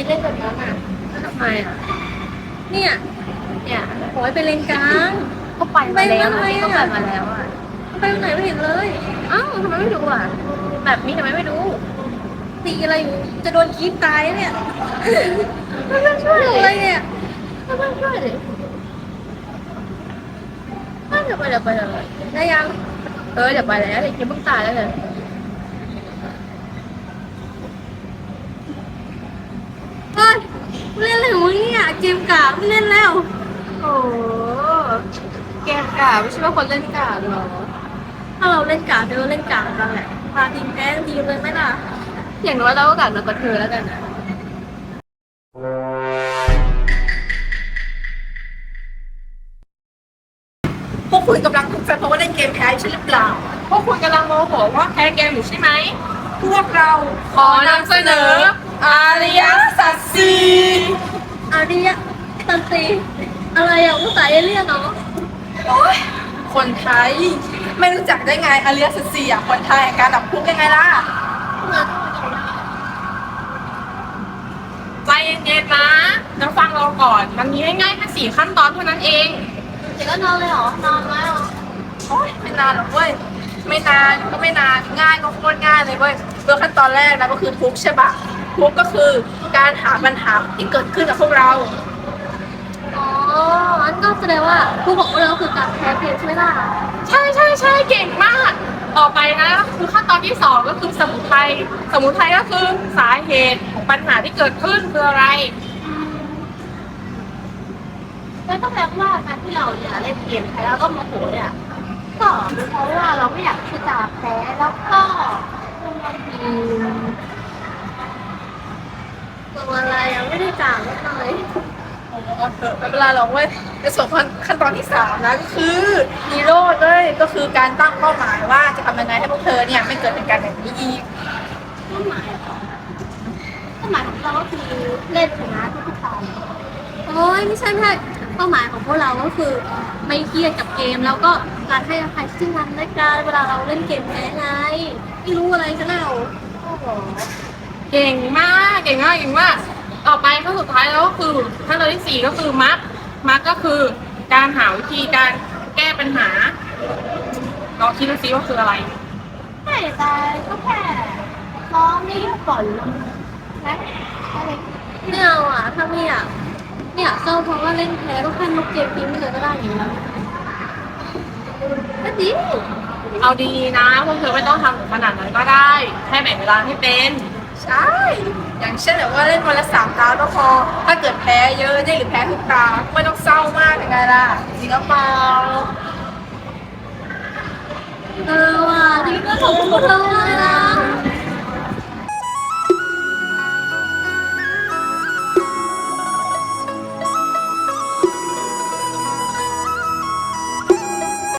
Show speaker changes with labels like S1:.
S1: เล่นแบบนั้นอ่ะ
S2: ทำไมอ่ะ
S1: เนี่ย
S2: เนี่ย
S1: ขอให้ไปเลนกลาง
S2: ก็ไปมาแล้ว
S1: ทำไม
S2: ก็
S1: อ่ะ
S2: ไปมาแล้วอ่ะ
S1: ไปตรงไหนไม่เห็นเลย
S2: อ้าวทำไมไม่ดูอ่ะแบบนี้ทำไมไม่ดู
S1: ตีอะไรอยู่จะโดนคีบตายเนี่ย
S2: ไม่ต้องช่วย
S1: ดู
S2: เล
S1: อะไร
S2: ย
S1: เนี่ย
S2: ไม่ต้องช่วยเลยเดี๋ยวไปเดี๋ยวไปเดี๋ยวไป
S1: ได้ยัง
S2: เดี๋ยวไปแล้วเดี๋ยวจะเพิ่งตายแล้วเลย
S1: เฮ้ยเล่นอะไรของมึงเนี่ยเกมกากไม่เล่นแล้ว
S2: โอ้แกมกาไม่ใช่ว่าคนเล่นกาหรอ
S1: ถ้าเราเล่นกากเดี๋ยวเราเล่นกากกันแหละพาทีมแพ้ทีมเลยไหมล่ะ
S2: อย่างน้อยเราก็กลับมากับเธอแล้วกันนะ
S1: พวกคุณกำลังทุกข์ใจเพราะว่าเล่นเกมแพ้ใช่หรือเปล่า
S2: พวกคุณกำลังโมโหว่าแพ้เกมอยู่ใช่ไหม
S1: พวกเรา
S2: ขอนำเสนออาริยสัจสี่
S1: อาริยะตันตีอะไรอ่ะภาษาเอเลี่ยนเนาะ
S3: โอ๊ยคนไทยไม่รู้จักได้ไงอริยสัจสี่อ่ะคนไทยการดับทุกข์ยังไงล่ะ
S2: ใจเย็นๆนะจะฟังเราก่อน มันมีง่ายๆแค่สี่ขั้นตอนเท่านั้นเอง
S1: เดี๋ยวก็นอนเลยเหรอนอนแล้ว
S3: โอ๊ยไม่นานหรอกเว้ยไม่นานก็ไม่นานง่ายก็โคตรง่ายเลยเว้ยเริ่มขั้นตอนแรกนะก็คือทุกข์ใช่ปะทุกข์ก็คือการหาปัญหาที่เกิดขึ้นกับพวกเรา
S1: อ๋ออันก็แสดงว่าผู้ของเราคือการแพ้เกมใช่ไหมล่ะ
S2: ใช่ใช่ใช่เก่งมาก ต่อไปนะคือขั้นตอนที่สองก็คือสมุทัยสมุทัยก็คือสาเหตุของปัญหาที่เกิดขึ้นคืออะไร
S1: แล้วก็แปลว่าการที่เราเนี่ยเล่นเกมแพ้แล้วก็โมโหเนี่ยก็เป็นเพราะว่าเราไม่อยากที่จะแพ้แล้วก็อืมตัวอะไรอ่ะไม่ได้จ่างเลย
S3: เอาเถอะไม่เป็นไรหรอกเว้ยในส่วนขั้นตอนที่สามนะก็คือฮีโร่เลยก็คือการตั้งเป้าหมายว่าจะทำยังไงให้พวกเธอเนี่ยไม่เกิดเหตุการณ์แบบนี้อีก
S1: เป้าหมายเหรอเป้าหมายของเราก็คือเล่นชนะทุกๆตอนโอ้ยไม่ใช่เป้าหมายของพวกเราก็คือไม่เครียดกับเกมแล้วก็การให้อภัยซึ่งกันและกันเวลาเราเล่นเกมแพ้ไงไม่รู้อะไรซะแล้วโอ้โห
S2: เก่งมากเก่งมากเก่งมากต่อไปขั้นสุดท้ายแล้วก็คือขั้นตอนที่สี่ก็คือมักก็คือการหาวิธีการแก้ปัญหาลองคิดดูซิว่าคืออะไร
S1: ไม่แต่ก็แค่ซ้อมนี่ก่อนนะอะไรไม่เอาอ่ะถ้าไม่อยากเศร้าเพราะว่าเล่นแพ้ก็แค่ลบเกมทิ้งไปเลยก็ได้อย่างนี้ก็ดี
S2: เอาดีๆนะพวกเธอไม่ต้องทำถึงขนาดนั้นก็ได้แค่แบ่งเวลาให้เป็น
S3: ใช่ อย่างเช่นแบบว่าเล่นวันละ3 ตาก็พอ ถ้าเกิดแพ้เยอะเนี่ยหรือแพ้ทุกตาไม่ต้องเศร้ามากยังไงล่ะจริงหรือเปล่า
S1: ว่ะนี่ก็ขอบคุณเธอมากเลยนะ